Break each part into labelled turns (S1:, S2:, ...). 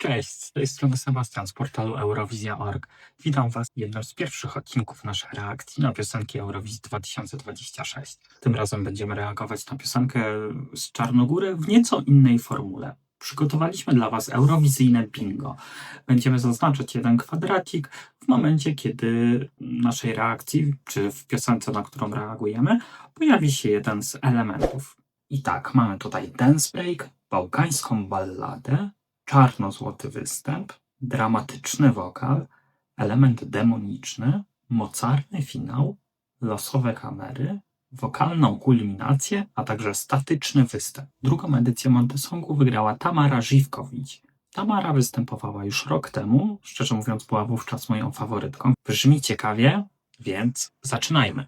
S1: Cześć, z tej strony Sebastian z portalu Eurowizja.org. Witam Was w jednym z pierwszych odcinków naszych reakcji na piosenki Eurowizji 2026. Tym razem będziemy reagować na piosenkę z Czarnogóry w nieco innej formule. Przygotowaliśmy dla Was eurowizyjne bingo. Będziemy zaznaczać jeden kwadracik w momencie, kiedy w naszej reakcji, czy w piosence, na którą reagujemy, pojawi się jeden z elementów. I tak, mamy tutaj dance break, bałkańską balladę, czarno-złoty występ, dramatyczny wokal, element demoniczny, mocarny finał, losowe kamery, wokalną kulminację, a także statyczny występ. Drugą edycję Montesongu wygrała Tamara Żywkowicz. Tamara występowała już rok temu, szczerze mówiąc była wówczas moją faworytką. Brzmi ciekawie, więc zaczynajmy.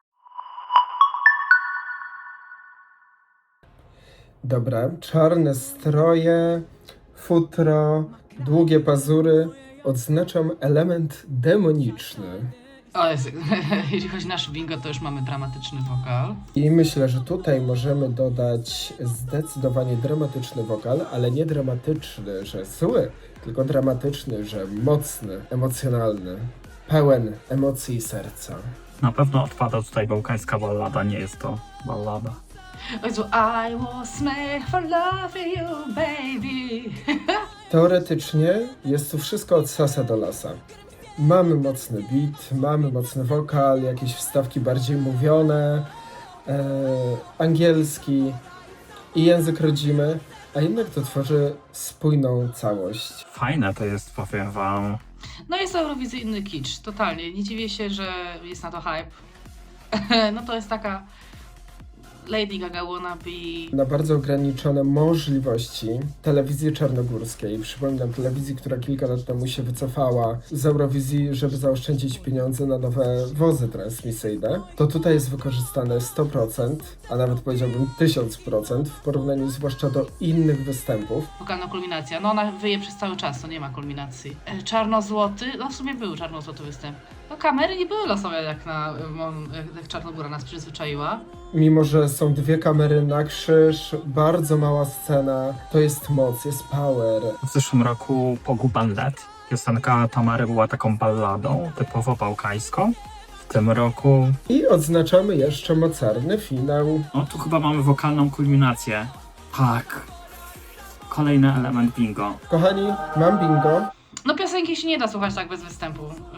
S2: Dobra, czarne stroje, futro, długie pazury. Odznaczam element demoniczny.
S3: O, jeśli chodzi o nasz bingo, to już mamy dramatyczny wokal.
S2: I myślę, że tutaj możemy dodać zdecydowanie dramatyczny wokal, ale nie dramatyczny, że zły, tylko dramatyczny, że mocny, emocjonalny, pełen emocji i serca.
S1: Na pewno odpada tutaj bałkańska ballada, nie jest to ballada.
S3: O Jezu, I was made for loving you, baby.
S2: Teoretycznie jest tu wszystko od sasa do lasa. Mamy mocny beat, mamy mocny wokal, jakieś wstawki bardziej mówione, angielski i język rodzimy, a jednak to tworzy spójną całość.
S1: Fajne to jest, powiem Wam.
S3: No jest to eurowizyjny kicz, totalnie. Nie dziwię się, że jest na to hype. No to jest taka Lady Gaga wannabe.
S2: Na bardzo ograniczone możliwości telewizji czarnogórskiej, przypominam telewizji, która kilka lat temu się wycofała z Eurowizji, żeby zaoszczędzić pieniądze na nowe wozy transmisyjne, to tutaj jest wykorzystane 100%, a nawet powiedziałbym 1000% w porównaniu zwłaszcza do innych występów.
S3: Wokalna kulminacja, no ona wyje przez cały czas, to nie ma kulminacji. Czarno-złoty, no w sumie był czarno-złoty występ. No kamery nie były losowe jak Czarnogóra nas przyzwyczaiła.
S2: Mimo że są dwie kamery na krzyż, bardzo mała scena, to jest moc, jest power.
S1: W zeszłym roku Poguban Let. Piosenka Tamary była taką balladą, typowo bałkańską. W tym roku,
S2: I odznaczamy jeszcze mocarny finał.
S1: no tu chyba mamy wokalną kulminację. Tak. Kolejny element bingo.
S2: Kochani, mam bingo.
S3: No piosenki się nie da słuchać tak bez występu.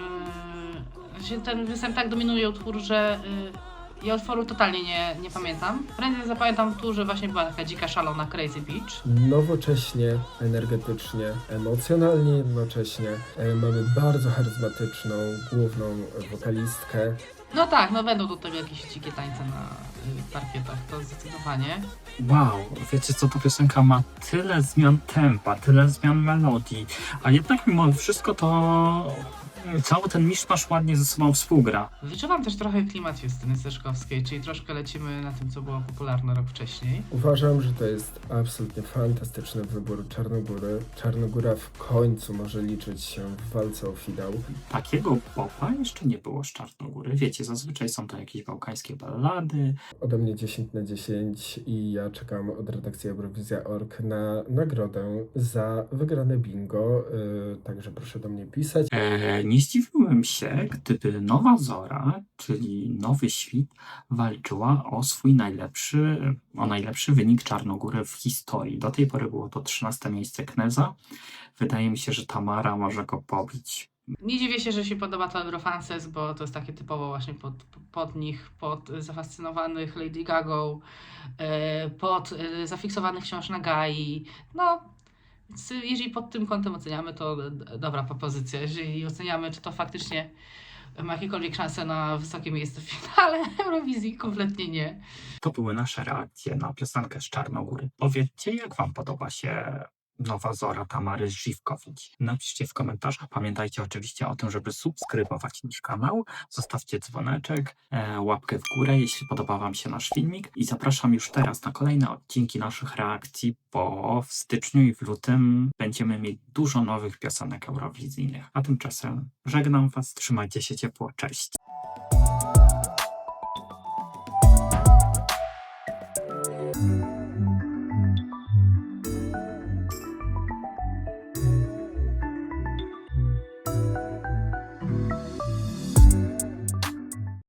S3: Ten występ tak dominuje utwór, że ja utworu totalnie nie pamiętam. Prędzej zapamiętam tu, że właśnie była taka dzika, szalona Crazy Beach.
S2: Nowocześnie, energetycznie, emocjonalnie jednocześnie. Mamy bardzo charyzmatyczną główną wokalistkę.
S3: No tak, no będą do tego jakieś dzikie tańce na parkietach, to zdecydowanie.
S1: Wow, wiecie co, ta piosenka ma tyle zmian tempa, tyle zmian melodii, a jednak mimo wszystko to cały ten miszmasz ładnie ze sobą współgra.
S3: Wyczuwam też trochę klimat Justyny Steszkowskiej, czyli troszkę lecimy na tym, co było popularne rok wcześniej.
S2: Uważam, że to jest absolutnie fantastyczny wybór Czarnogóry. Czarnogóra w końcu może liczyć się w walce o finał.
S1: Takiego popa jeszcze nie było z Czarnogóry. Wiecie, zazwyczaj są to jakieś bałkańskie ballady.
S2: Ode mnie 10 na 10 i ja czekam od redakcji Eurowizja.org na nagrodę za wygrane bingo. Także proszę do mnie pisać.
S1: Nie zdziwiłbym się, gdyby Nowa Zora, czyli Nowy Świt, walczyła o swój najlepszy wynik Czarnogóry w historii. Do tej pory było to 13 miejsce Kneza. Wydaje mi się, że Tamara może go pobić.
S3: Nie dziwię się, że się podoba to Eurofances, bo to jest takie typowo właśnie pod nich, pod zafascynowanych Lady Gagą, pod zafiksowanych wciąż na Gai. No, więc jeżeli pod tym kątem oceniamy, to dobra propozycja. Jeżeli oceniamy, czy to faktycznie ma jakiekolwiek szanse na wysokie miejsce w finale Eurowizji, kompletnie nie.
S1: To były nasze reakcje na piosenkę z Czarnogóry. Powiedzcie, jak Wam podoba się Nowa Zora Tamary Żywkowicz. Napiszcie w komentarzach. Pamiętajcie oczywiście o tym, żeby subskrybować nasz kanał. Zostawcie dzwoneczek, łapkę w górę, jeśli podoba Wam się nasz filmik. I zapraszam już teraz na kolejne odcinki naszych reakcji, bo w styczniu i w lutym będziemy mieć dużo nowych piosenek eurowizyjnych. A tymczasem żegnam Was, trzymajcie się ciepło, cześć!